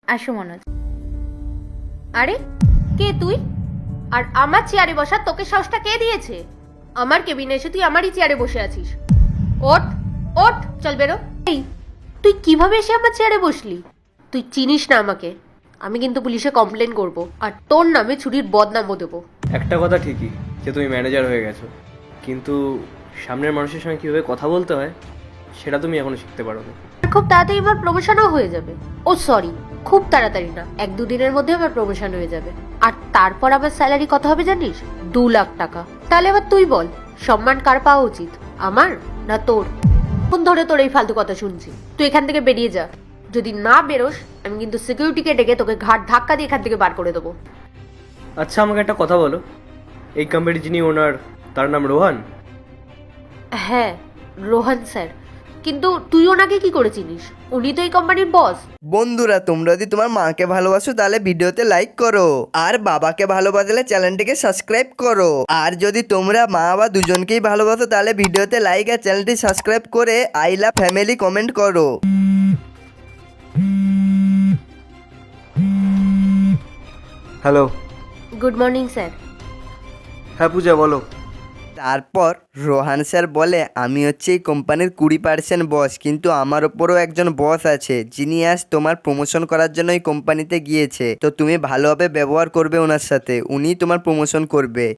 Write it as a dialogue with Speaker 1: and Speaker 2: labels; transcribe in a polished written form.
Speaker 1: আসো মনোজ। আরে কে তুই? আর আমার চেয়ারে বসা তোকে সাহসটা কে দিয়েছে? আমার কেবিনে এসে তুই আমারই চেয়ারে বসে আছিস। ওঠ ওঠ, চল বেরো। এই, তুই কিভাবে এসে আমার চেয়ারে বসলি? তুই চিনিস না আমাকে। আমি কিন্তু পুলিশে কমপ্লেন করব, আর তোর নামে চুরির বদনামও দেবো।
Speaker 2: একটা কথা ঠিকই যে তুমি ম্যানেজার হয়ে গেছো, কিন্তু সামনের মানুষের সঙ্গে কীভাবে কথা বলতে হয় সেটা তুমি এখনো শিখতে পারো না।
Speaker 1: খুব তাড়াতাড়ি আমার প্রমোশনও হয়ে যাবে। ও সরি, খুব তাড়াতাড়ি না, 1-2 দিনের মধ্যে আমার প্রমোশন হয়ে যাবে। আর তারপর আমার স্যালারি কত হবে জানিস? 2 লাখ টাকা। তাহলে এবার তুই বল, সম্মান কার পাওয়া উচিত, আমার না তোর? কোন ধরে তোর এই ফালতু কথা শুনছি? তুই এখান থেকে বেরিয়ে যা। যদি না বেরোস, আমি কিন্তু সিকিউরিটিকে ডেকে তোকে ঘাট ধাক্কা দিয়ে এখান থেকে বার করে দেবো।
Speaker 2: আচ্ছা, আমাকে একটা কথা বলো, এই কোম্পানির যিনি ওনার তার নাম রোহান?
Speaker 1: হ্যাঁ, রোহন স্যার। কিন্তু তুই ওনাকে কি করে চিনিস? উনি তো এই কোম্পানির বস।
Speaker 3: বন্ধুরা, তোমরা যদি তোমার মাকে ভালোবাসো তাহলে ভিডিওতে লাইক করো, আর বাবাকে ভালোবাসলে চ্যানেলটিকে সাবস্ক্রাইব করো। আর যদি তোমরা মা বা দুজনকেই ভালোবাসো তাহলে ভিডিওতে লাইক আর চ্যানেলটি সাবস্ক্রাইব করে আই লাভ ফ্যামিলি কমেন্ট করো।
Speaker 2: হ্যালো।
Speaker 1: Good morning sir.
Speaker 2: হ্যাঁ পূজা, বলো।
Speaker 3: তারপর রোহান স্যার বলে, আমি হচ্ছে এই কোম্পানির 20% বস, কিন্তু আমার ওপরও একজন বস আছে যিনি আজ তোমার প্রমোশন করার জন্য এই কোম্পানিতে গিয়েছে। তো তুমি ভালোভাবে ব্যবহার করবে ওনার সাথে, উনি তোমার প্রমোশন করবে।